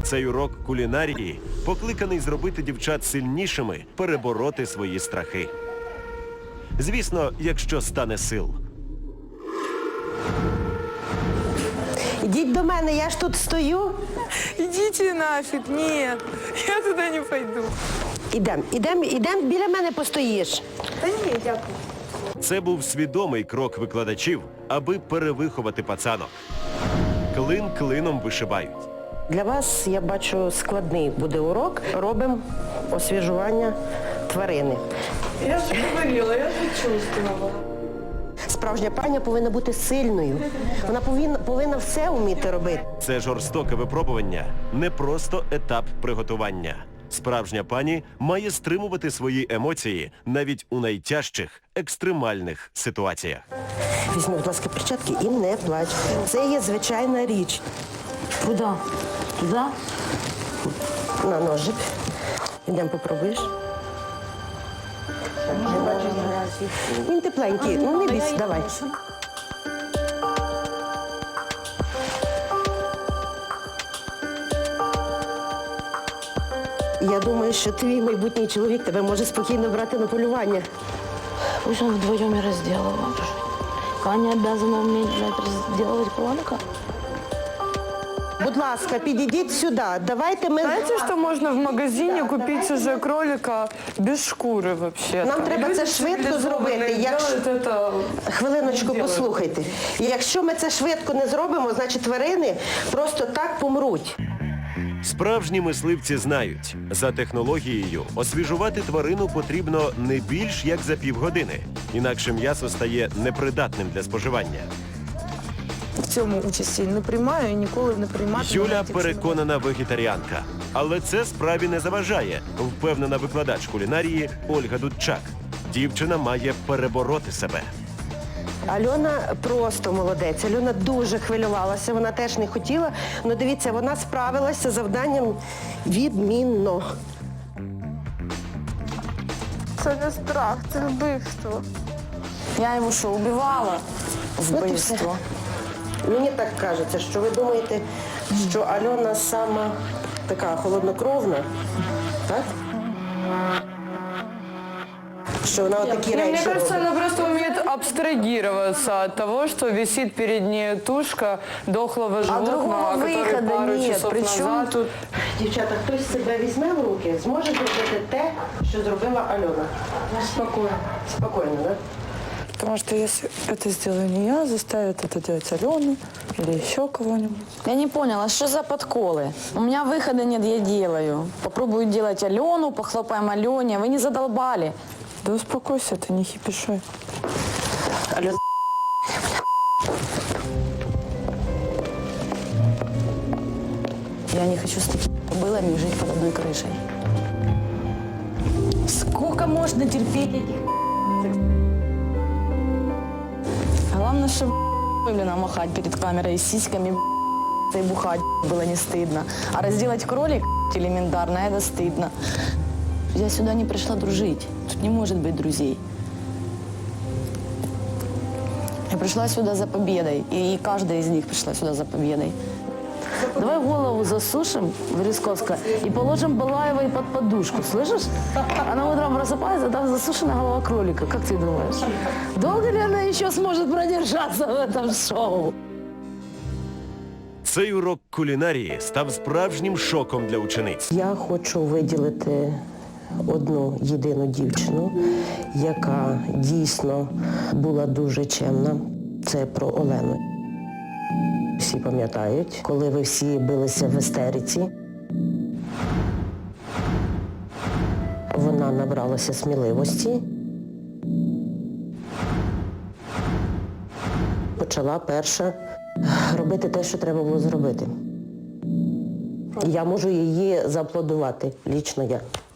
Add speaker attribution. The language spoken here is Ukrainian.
Speaker 1: Цей урок кулінарії покликаний зробити дівчат сильнішими, перебороти свої страхи. Звісно, якщо стане сил.
Speaker 2: Ідіть до мене, я ж тут стою.
Speaker 3: Идите нафиг, нет, я туда не пойду.
Speaker 2: Ідем, біля мене постоїш.
Speaker 3: Да нет, дякую.
Speaker 1: Це був свідомий крок викладачів, аби перевиховати пацанок. Клин клином вишибають.
Speaker 2: Для вас, я бачу, складний буде урок. Робимо освіжування тварини.
Speaker 3: Я же говорила, я же чувствовала.
Speaker 2: Справжня паня повинна бути сильною. Вона повинна все вміти робити.
Speaker 1: Це жорстоке випробування не просто етап приготування. Справжня пані має стримувати свої емоції навіть у найтяжчих, екстремальних ситуаціях.
Speaker 2: Візьми, будь ласка, перчатки і не плач. Це є звичайна річ.
Speaker 4: Куда? Туда?
Speaker 2: На ножик. Ідемо попробуєш. Він тепленький, ну не бійся, давай. Я думаю, що твій майбутній чоловік тебе може спокійно брати на полювання.
Speaker 4: Пусть он вдвоем и разделывает. Аня обязана уметь, разделывать кролика.
Speaker 2: Будь ласка, підійдіть сюди. Давайте ми...
Speaker 3: Знаете, что можно в магазине купить уже кролика без шкуры вообще?
Speaker 2: Нам треба це швидко зробити.
Speaker 3: Это...
Speaker 2: Хвилиночку, послухайте. Якщо ми це швидко не зробимо, значить тварини просто так помруть.
Speaker 1: Справжні мисливці знають, за технологією освіжувати тварину потрібно не більш як за півгодини. Інакше м'ясо стає непридатним для споживання.
Speaker 3: В цьому участі не приймаю і ніколи не приймати.
Speaker 1: Юля переконана вегетаріанка. Але це справі не заважає, впевнена викладач кулінарії Ольга Дудчак. Дівчина має перебороти себе.
Speaker 2: Альона просто молодець. Альона дуже хвилювалася, вона теж не хотіла. Але дивіться, вона справилася з завданням відмінно.
Speaker 3: Це не страх, це вбивство.
Speaker 4: Я его что, убивала?
Speaker 2: Вбивство. Мені так кажеться, що ви думаєте, що Альона сама така холоднокровна, так? Що вона отакі
Speaker 3: Мне
Speaker 2: речі
Speaker 3: кажется,
Speaker 2: робить.
Speaker 3: она просто умеет абстрагироваться от того, что висит перед ней тушка дохлого животного,
Speaker 4: другого
Speaker 3: который
Speaker 4: выхода
Speaker 3: пару
Speaker 4: нет.
Speaker 3: часов
Speaker 4: Причем-
Speaker 3: назад тут...
Speaker 2: Дівчата, хтось себе візьме в руки, зможе зробити те, що зробила Альона.
Speaker 3: Спокойно.
Speaker 2: Спокійно, так?
Speaker 3: Потому что если это сделаю не я, заставит это делать Алену или еще кого-нибудь.
Speaker 4: Я не поняла, что за подколы? У меня выхода нет, я делаю. Попробую делать Алену, похлопаем Алене. Вы не задолбали.
Speaker 3: Да успокойся, ты не хипишой.
Speaker 2: Альона,
Speaker 4: Я не хочу с такими кобылами жить под одной крышей. Сколько можно терпеть этих Главное, чтобы блин, махать перед камерой с сиськами и бухать было не стыдно. А разделать кролик элементарно, это стыдно. Я сюда не пришла дружить. Тут не может быть друзей. Я пришла сюда за победой. И каждая из них пришла сюда за победой. Давай голову засушим в Рисковска и положим Балаевой под подушку, слышишь? Она утром просыпается, там засушена голова кролика. Как ты думаешь? Долго ли она еще сможет продержаться в этом шоу?
Speaker 1: Цей урок кулінарії став справжнім шоком для учениць.
Speaker 2: я хочу виділити одну єдину дівчину, яка дійсно була дуже чемна. Це про Олену. Всі пам'ятають, коли ви всі билися в істериці. Вона набралася сміливості. Почала перша робити те, що треба було зробити. Я можу її зааплодувати, лічно я.